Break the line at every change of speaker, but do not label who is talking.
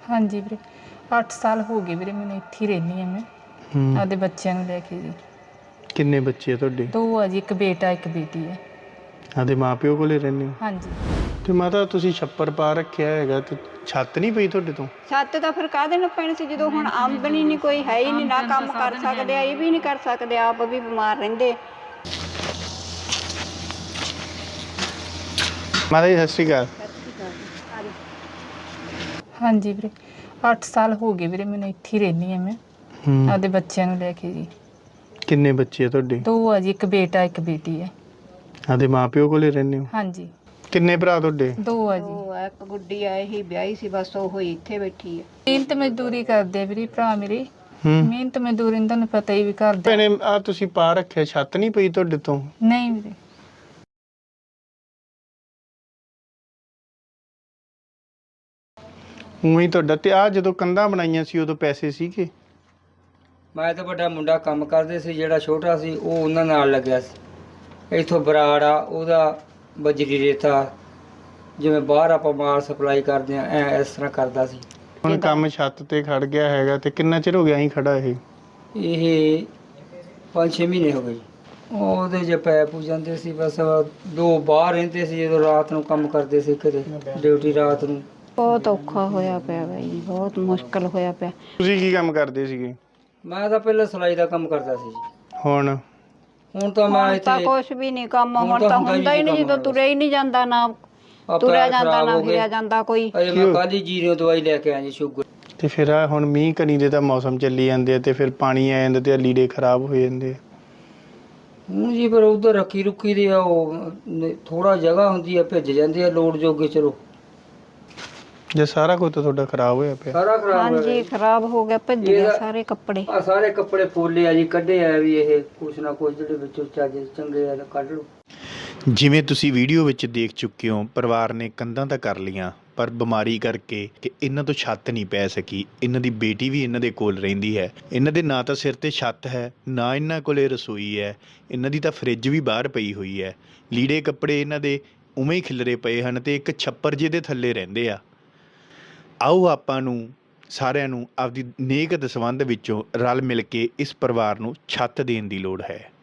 ਹਾਂਜੀ ਵੀਰੇ 8 ਸਾਲ ਹੋ ਗਏ ਵੀਰੇ ਮੈਨੂੰ ਇੱਥੇ ਹੀ ਰਹਿੰਦੀ ਹਾਂ ਮੈਂ ਆਪਦੇ ਬੱਚਿਆਂ ਨੂੰ ਲੈ ਕੇ ਜੀ।
ਕਿੰਨੇ ਬੱਚੇ ਆ ਤੁਹਾਡੇ?
2 ਆ ਜੀ, ਇੱਕ ਬੇਟਾ ਇੱਕ ਬੇਟੀ ਹੈ।
ਆਪਦੇ ਮਾਪਿਓ ਕੋਲੇ ਰਹਿੰਦੇ ਹੋ?
ਹਾਂਜੀ।
ਤੇ ਮਾਤਾ ਤੁਸੀਂ ਛੱਪਰ ਪਾ ਰੱਖਿਆ ਹੈਗਾ ਤੇ ਛੱਤ ਨਹੀਂ ਪਈ ਤੁਹਾਡੇ ਤੋਂ?
ਛੱਤ ਤਾਂ ਫਿਰ ਕਾਹਦੇ ਨਾਲ ਪੈਣੀ ਸੀ ਜਦੋਂ ਹੁਣ ਆਮਦਨੀ ਨਹੀਂ ਕੋਈ ਹੈ ਹੀ ਨਹੀਂ, ਨਾ ਕੰਮ ਕਰ ਸਕਦੇ ਆ, ਇਹ ਵੀ ਨਹੀਂ ਕਰ ਸਕਦੇ, ਆਪ ਵੀ ਬਿਮਾਰ ਰਹਿੰਦੇ।
ਮਾਤਾ ਜੀ ਸਤਿ ਸ਼੍ਰੀ ਅਕਾਲ।
ਹਾਂਜੀ ਵੀਰੇ 8 ਸਾਲ ਹੋ ਗਏ ਵੀਰੇ ਮੈਨੂੰ ਇੱਥੇ ਹੀ ਰਹਿੰਦੀ ਹਾਂ ਮੈਂ ਆਪਦੇ ਬੱਚਿਆਂ ਨੂੰ ਲੈ ਕੇ ਜੀ।
ਕਿੰਨੇ ਬੱਚੇ ਆ ਤੁਹਾਡੇ?
2 ਆ ਜੀ, ਇੱਕ ਬੇਟਾ ਇੱਕ ਬੇਟੀ ਹੈ।
ਆਪਦੇ ਮਾਪਿਓ ਕੋਲੇ ਰਹਿੰਦੇ ਹੋ?
ਹਾਂਜੀ।
ਕਿੰਨੇ ਭਰਾ ਤੁਹਾਡੇ?
2 ਆ ਜੀ।
ਉਹ ਇੱਕ ਗੁੱਡੀ ਆ, ਇਹੀ ਵਿਆਹੀ ਸੀ, ਬਸ ਉਹ ਹੀ ਇੱਥੇ ਬੈਠੀ ਹੈ।
ਮਿਹਨਤ ਮਜ਼ਦੂਰੀ ਕਰਦੇ ਆ ਵੀਰੇ ਭਰਾ ਮੇਰੇ।
ਹੂੰ।
ਮਿਹਨਤ ਮਜ਼ਦੂਰੀ ਨੂੰ ਤੁਹਾਨੂੰ ਪਤਾ ਹੀ ਵੀ ਕਰਦੇ।
ਭੈਣੇ ਆ ਤੁਸੀਂ ਪਾ ਰੱਖਿਆ, ਛੱਤ ਨਹੀਂ ਪਈ ਤੁਹਾਡੇ ਤੋਂ?
ਨਹੀਂ ਵੀਰੇ।
ਉਵੇਂ ਹੀ ਤੁਹਾਡਾ ਤੇ ਆ ਜਦੋਂ ਕੰਧਾਂ ਬਣਾਈਆਂ ਸੀ ਉਦੋਂ ਪੈਸੇ ਸੀਗੇ?
ਮੈਂ ਤਾਂ ਵੱਡਾ ਮੁੰਡਾ ਕੰਮ ਕਰਦੇ ਸੀ, ਜਿਹੜਾ ਛੋਟਾ ਸੀ ਉਹ ਉਹਨਾਂ ਨਾਲ ਲੱਗਿਆ ਸੀ। ਇੱਥੋਂ ਬਰਾੜ ਆ, ਉਹਦਾ ਬਜਰੀ ਰੇਤਾ ਜਿਵੇਂ ਬਾਹਰ ਆਪਾਂ ਮਾਲ ਸਪਲਾਈ ਕਰਦੇ ਆ, ਇਸ ਤਰ੍ਹਾਂ ਕਰਦਾ ਸੀ।
ਹੁਣ ਕੰਮ ਛੱਤ ਤੇ ਖੜ ਗਿਆ ਹੈਗਾ ਤੇ ਕਿੰਨਾ ਚਿਰ ਹੋ ਗਿਆ ਅਸੀਂ ਖੜਾ ਇਹ?
5-6 ਮਹੀਨੇ ਹੋ ਗਏ ਜੀ। ਉਹਦੇ 'ਚ ਪੈ ਪੂ ਜਾਂਦੇ ਸੀ, ਬਸ 2 ਬਾਹਰ ਰਹਿੰਦੇ ਸੀ ਜਦੋਂ ਰਾਤ ਨੂੰ ਕੰਮ ਕਰਦੇ ਸੀ, ਕਿਤੇ ਡਿਊਟੀ ਰਾਤ ਨੂੰ।
ਬਹੁਤ ਔਖਾ ਹੋਇਆ ਪਿਆ ਬਾਈ, ਬਹੁਤ ਮੁਸ਼ਕਲ ਹੋਇਆ ਪਿਆ।
ਤੁਸੀਂ ਕੀ ਕੰਮ ਕਰਦੇ ਸੀਗੇ?
ਮੈਂ ਤਾਂ ਪਹਿਲਾਂ ਸਿਲਾਈ ਦਾ ਕੰਮ ਕਰਦਾ ਸੀ ਜੀ।
ਹੁਣ
ਤਾਂ ਮੈਂ
ਹੁਣ ਤਾਂ
ਇੱਥੇ
ਕੁਛ ਵੀ ਨਹੀਂ ਕੰਮ, ਹੁਣ ਤਾਂ ਹੁੰਦਾ ਹੀ ਨਹੀਂ, ਜਦੋਂ ਤੁਰਿਆ ਹੀ ਨਹੀਂ ਜਾਂਦਾ, ਨਾ ਤੁਰਿਆ ਜਾਂਦਾ ਨਾ ਫਿਰਿਆ ਜਾਂਦਾ ਕੋਈ।
ਅਜੇ ਮੈਂ ਕੱਲ ਹੀ ਜੀਰੀਓ ਦਵਾਈ ਲੈ ਕੇ ਆਇਆ ਜੀ, ਸ਼ੂਗਰ।
ਤੇ ਫਿਰ ਆ ਹੁਣ ਮੀਂਹ ਕਣੀ ਦੇ ਤਾਂ ਮੌਸਮ ਚੱਲੀ ਜਾਂਦੇ ਆ ਤੇ ਫਿਰ ਪਾਣੀ ਆ ਜਾਂਦਾ ਤੇ ਲੀੜੇ ਖਰਾਬ ਹੋ ਜਾਂਦੇ ਆ।
ਹੁਣ ਜੀ ਫਿਰ ਉਧਰ ਰੱਖੀ ਰੁੱਖੀ ਦੇ ਆ, ਉਹ ਥੋੜਾ ਜਗ੍ਹਾ ਹੁੰਦੀ ਆ, ਭਿੱਜ ਜਾਂਦੇ ਆ ਲੋੜ ਜੋਗੇ। ਚਲੋ
ਜੇ ਸਾਰਾ ਕੁਝ ਤਾਂ ਤੁਹਾਡਾ ਖਰਾਬ ਹੋਇਆ ਪਿਆ।
ਸਾਰਾ ਖਰਾਬ ਹੋ
ਹਾਂਜੀ
ਗਿਆ।
ਖਰਾਬ ਹੋ ਗਿਆ, ਭੱਜ ਗਏ ਸਾਰੇ ਕੱਪੜੇ।
ਆ ਸਾਰੇ ਕੱਪੜੇ ਫੋਲੇ ਆ ਜੀ, ਕੱਢੇ ਆ ਵੀ ਇਹ ਕੁਛ ਨਾ ਕੁਛ ਜਿਹੜੇ ਵਿੱਚੋਂ ਚੱਜ ਚੰਗੇ ਆ ਕੱਢ ਲਓ।
ਜਿਵੇਂ ਤੁਸੀਂ ਵੀਡੀਓ ਵਿੱਚ ਦੇਖ ਚੁੱਕੇ ਹੋ, ਪਰਿਵਾਰ ਨੇ ਕੰਧਾਂ ਤਾਂ ਕਰ ਲੀਆਂ ਪਰ ਬਿਮਾਰੀ ਕਰਕੇ ਕਿ ਇਹਨਾਂ ਤੋਂ ਛੱਤ ਨਹੀਂ ਪੈ ਸਕੀ। ਇਹਨਾਂ ਦੀ ਬੇਟੀ ਵੀ ਇਹਨਾਂ ਦੇ ਕੋਲ ਰਹਿੰਦੀ ਹੈ। ਇਹਨਾਂ ਦੇ ਨਾ ਤਾਂ ਸਿਰ ਤੇ ਛੱਤ ਹੈ, ਨਾ ਇਹਨਾਂ ਕੋਲੇ ਰਸੋਈ ਹੈ। ਇਹਨਾਂ ਦੀ ਤਾਂ ਫਰਿੱਜ ਵੀ ਬਾਹਰ ਪਈ ਹੋਈ ਹੈ। ਲੀੜੇ ਕੱਪੜੇ ਇਹਨਾਂ ਦੇ ਉਵੇਂ ਹੀ ਖਿਲਰੇ ਪਏ ਹਨ ਤੇ ਇੱਕ ਛੱਪਰ ਜਿਹੇ ਦੇ ਥੱਲੇ ਰਹਿੰਦੇ ਆ। ਆਓ ਆਪਾਂ ਨੂੰ ਸਾਰਿਆਂ ਨੂੰ ਆਪਦੀ ਨੇਕ ਦਸਵੰਧ ਵਿੱਚੋਂ ਰਲ ਮਿਲ ਕੇ ਇਸ ਪਰਿਵਾਰ ਨੂੰ ਛੱਤ ਦੇਣ ਦੀ ਲੋੜ ਹੈ।